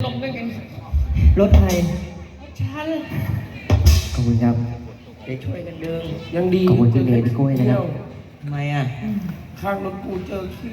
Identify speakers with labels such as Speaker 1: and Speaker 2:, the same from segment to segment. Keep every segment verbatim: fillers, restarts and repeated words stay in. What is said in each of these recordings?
Speaker 1: ล้มได้ไง
Speaker 2: รถไทย
Speaker 1: ฉัน
Speaker 2: ขอบคุณครับ
Speaker 3: จะช่วยกันดึง
Speaker 4: ยังดี
Speaker 2: ขอบคุณพี่เมย์พี่กล้วยนะครับ
Speaker 3: ทำไมอ่ะ
Speaker 4: ข้างรถกูเจอขี้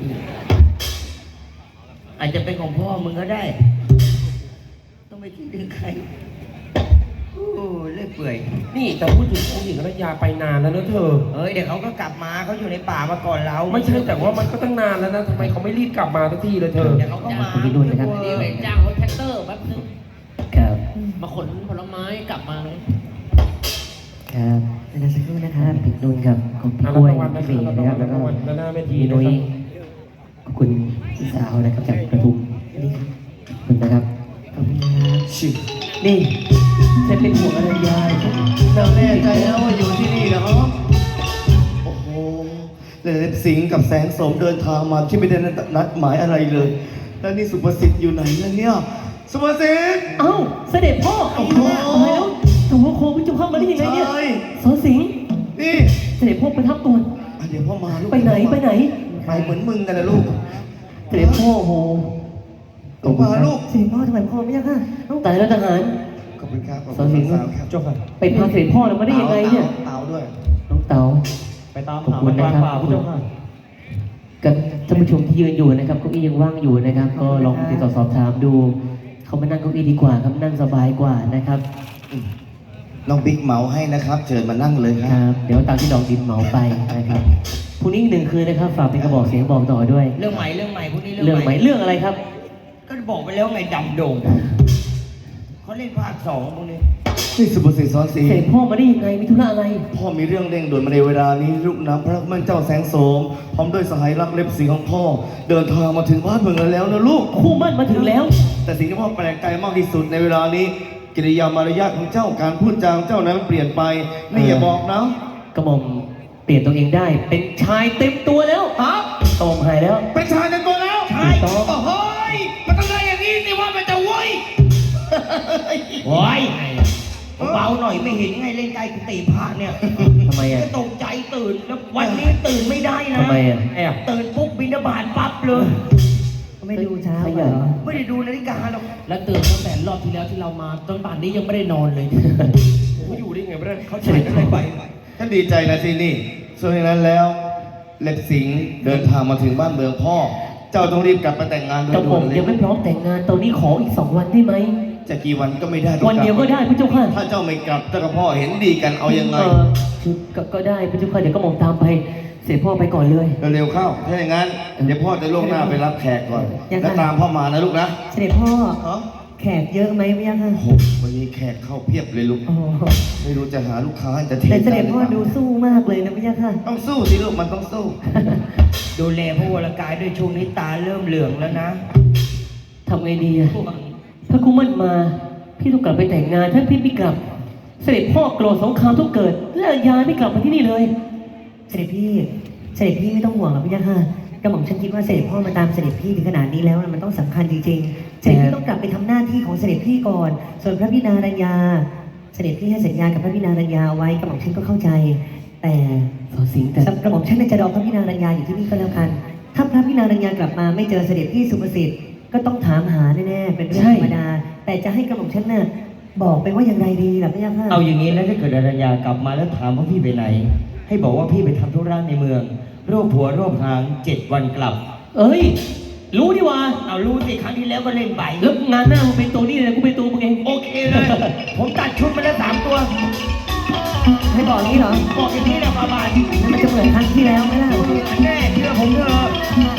Speaker 3: อาจจะเป็นของพ่อมึงก็ได้ต้องไปที่ดึงใครโอ้เลื่อยเปื่อย
Speaker 4: นี่แต่พูดถึงองค์หญิงอรัญญาไปนานแล้วนะเธอ
Speaker 3: เฮ้ยเดี๋ยวเขาก็กลับมาเขาอยู่ในป่ามาก่อนเรา
Speaker 4: ไม่ใช่แต่ว่ามันก็ตั้งนานแล้วนะทำไมเขาไม่รีบกลับมาสักทีเลยเธอ
Speaker 3: เดี๋ยวเขาก็มา
Speaker 2: พี่นุ่นนะครับ
Speaker 1: เดี๋ยวจ้างรถแท็กเตอร์แป๊บนึง
Speaker 2: ครับ
Speaker 1: มาขนผลไม้กลับมาเลย
Speaker 2: ครับแล้วสักครู่นะครับพี่นุ่นครับของพี่กล้วยพี่เมย์นะครับแล้วก็พี่นุ้ยขอบคุณพี่สาวนะครับจากกระทุ่มนี่ขอบคุณนะครับขอบคุณนะครับชินี่จะเป็นห่วงอรัญญา
Speaker 5: เราแน่ใจแล้วว่าอยู่ที่นี่นะครับโอ้โหเลเล็บสิงห์กับแสงโสมเดินทางมาที่ไม่ได้นัดหมายอะไรเลย แล้วนี่สุภสิทธิ์อยู่ไหนล่ะเนี่ยสุภสิทธิ์
Speaker 2: เอ้าเสด็จพ่อโอ้โหแล้วถูกโควิจุเข้ามาได้ยังไงเนี่ยสอนสิงห์
Speaker 5: นี่
Speaker 2: เสด็จพ่อประทับก่อน
Speaker 5: เดี๋ยวพ่อมาลูก
Speaker 2: ไปไหนไปไหน
Speaker 5: ไปเหมือนมึงกันนะลูก
Speaker 2: เสด็จพ่อโห
Speaker 5: ลงมาลูก
Speaker 2: เสด็จพ่อทำไมพ่อไม่ยากค่ะตายแล้วทหาร
Speaker 5: ขอบคุณครับ
Speaker 2: สอนสิงห์
Speaker 5: เจ้าค่ะ
Speaker 2: ไปพาเสด็จพ่อเรามาได้ยังไงเนี่ย
Speaker 5: เต๋าด้วย
Speaker 2: น้องเต๋า
Speaker 5: ไปตาม
Speaker 2: ขอบคุณนะครับเจ้าค่ะกับท่านผู้ชมที่ยืนอยู่นะครับเก้าอี้ยังว่างอยู่นะครับก็ลองติดต่อสอบถามดูเขามานั่งเก้าอี้ดีกว่าครับนั่งสบายกว่านะครับ
Speaker 5: น้องบิ๊กเหมาให้นะครับเชิญมานั่งเลยค
Speaker 2: รับเดี๋ยวตามที่ดอกดินเหมาไปนะครับพรุ่งนี้หนึ่งคืนนะครับฝากเป็นกระบอกเสียงบอกต่อด้วย
Speaker 3: เรื่องใหม่เรื่องใหม่พวกนี้
Speaker 2: เรื่องใหม่เรื่องอะไรครับ
Speaker 3: ก็บอกไปแล้วไงดำโด่งเขาเล่นภาคสองพวกนี้
Speaker 5: นี่สุภสิทธิ์สอนศรี
Speaker 2: เสด็จพ่อมาได้ยังไงมีธุระอะไร
Speaker 5: พ่อมีเรื่องเร่งด่วนมาในเวลานี้ลูกน้ำพระมั่นเจ้าแสงโสมพร้อมด้วยสหายรักเล็บสีของพ่อเดินทางมาถึงบ้านเมืองแล้วนะลูก
Speaker 2: คู่มั่นมาถึงแล้ว
Speaker 5: แต่สิ่งที่พ่อแปลกใจมากที่สุดในเวลานี้กิริยามารยาทของเจ้าการพูดจาเจ้านั้นเปลี่ยนไปนี่อย่าบอกนะ
Speaker 2: กระหม่อมเปลี่ยนตัวเองได้เป็นชายเต็มตัวแล้ว
Speaker 5: ฮะ
Speaker 2: ตอมหายแล้ว
Speaker 5: เป็นชายเต็มตัวแล้ว
Speaker 3: ใช่
Speaker 5: โอ้โหมันต้องได้อย่างนี้สิว่ามันจะว้ย
Speaker 3: ว้ยเบาหน่อยไม่เห็นไงเล่นใจกุฏิพระเนี่ย
Speaker 2: ทำไมอ่ะ
Speaker 3: ตกใจตื่นแล้ววันนี้ตื่นไม่ได้นะ
Speaker 2: ทำไมอ่ะ
Speaker 3: ตื่นปุ๊บบิณฑบาตปั๊บเลย
Speaker 2: ไม่ดูเช้าเหรอ
Speaker 3: ไม่ได้ดูนาฬิกาหรอก
Speaker 1: แล้วตื่นตั้งแต่รอบที่แล้วที่เรามาจนป่านนี้ยังไม่ได้นอนเลย
Speaker 4: เขาอยู่ได้ไงไม่ได้
Speaker 5: เขาใช้อะไรไปท่านดีใจนะสินี่ส่วนนั้นแล้วเล็บสิงห์เดินทางมาถึงบ้านเมืองพ่อเจ้าต้องรีบกลับไปแต่งงานโดยด่วนเลย
Speaker 2: ยังไม่พร้อมแต่งงานตอนนี้ขออีกสองวันได้ไหม
Speaker 5: จะกี่วันก็ไม่ได้
Speaker 2: วันเดียวก็ได้พระเจ้าค่ะ
Speaker 5: ถ้าเจ้าไม่กลับเจ้ากับพ่อเห็นดีกันเอายังไง
Speaker 2: คือก็ได้พระเจ้าค่ะเดี๋ยวก็มองตามไปเสด็จพ่อไปก่อนเลย
Speaker 5: เร็วเข้าถ้าอย่างนั้นเดี๋ยวพ่อจะล่วงหน้าไปรับแขกก่อนแล้วตามพ่อมานะลูกนะ
Speaker 2: เสด็จพ่อแขกเยอะไหมพี่ยังค่ะ
Speaker 5: วันนี้แขกเข้าเพียบเลยลูกไม่รู้จะหาลูกค้าจะเท
Speaker 2: แต่เสด็จพ่อดูสู้มากเลยนะพี่ยังค่ะ
Speaker 5: ต้องสู้สิลูกมันต้องสู้
Speaker 3: ดูแลพระวรกายด้วยช่วงนี้ตาเริ่มเหลืองแล้วนะ
Speaker 2: ทำไงดีอะถ้ากูมั่นมาพี่ต้องกลับไปแต่งงานถ้าพี่ไม่กลับเสด็จพ่อโกรธสงครามต้องเกิดและยายไม่กลับมาที่นี่เลยเสด็จพี่เสด็จพี่ไม่ต้องห่วงหรอกพี่ยังค่ะกระหม่อมฉันคิดว่าเสด็จพ่อมาตามเสด็จพี่ถึงขนาดนี้แล้วมันต้องสำคัญจริงๆเสด็จพี่ต้องกลับไปทำหน้าที่ของเสด็จพี่ก่อนส่วนพระพินารัญญาเสด็จพี่ให้สัญญากับพระพินารัญญาไว้กระหม่อมฉันก็เข้าใจแต่สอสิงแต่กระหม่อมฉันจะรอพระพินารัญญาอยู่ที่นี่ก็แล้วกันถ้าพระพินารัญญากลับมาไม่เจอเสด็จพี่สุภสิทธิ์ก็ต้องถามหาแน่ๆเป็นเรื่องธรรมดาแต่จะให้กระหม่อมฉันน่ะบอกไปว่าอย่างไรดีล่ะพี่ยังค่ะ
Speaker 3: เอาอย่างนี้แล้วถ้าเกิดอรัญญากลับมาแล้วถามว่าพี่ไปไหนให้บอกว่าพี่ไปทำธุระในเมืองโรคผัวโรคหางเจ็ดวันกลับ
Speaker 2: เอ้ยรู้ดิว่า
Speaker 3: เอารู้สิครั้งที่แล้วก็เล่นไป
Speaker 2: แล้วงานหน้ามึงเป็นตัวนี่เลยกูเป็นตัวมึงเอง
Speaker 3: โอเคเลยผมตัดชุดมาแล้วสามตัว
Speaker 2: ให้บอกนี้เหรอ
Speaker 3: บอกอย่างนี้นะบาบา
Speaker 2: มันจะเหมือนครั้งที่แล้วไหมล่ะ
Speaker 3: แน่เชื่อผมเถอะ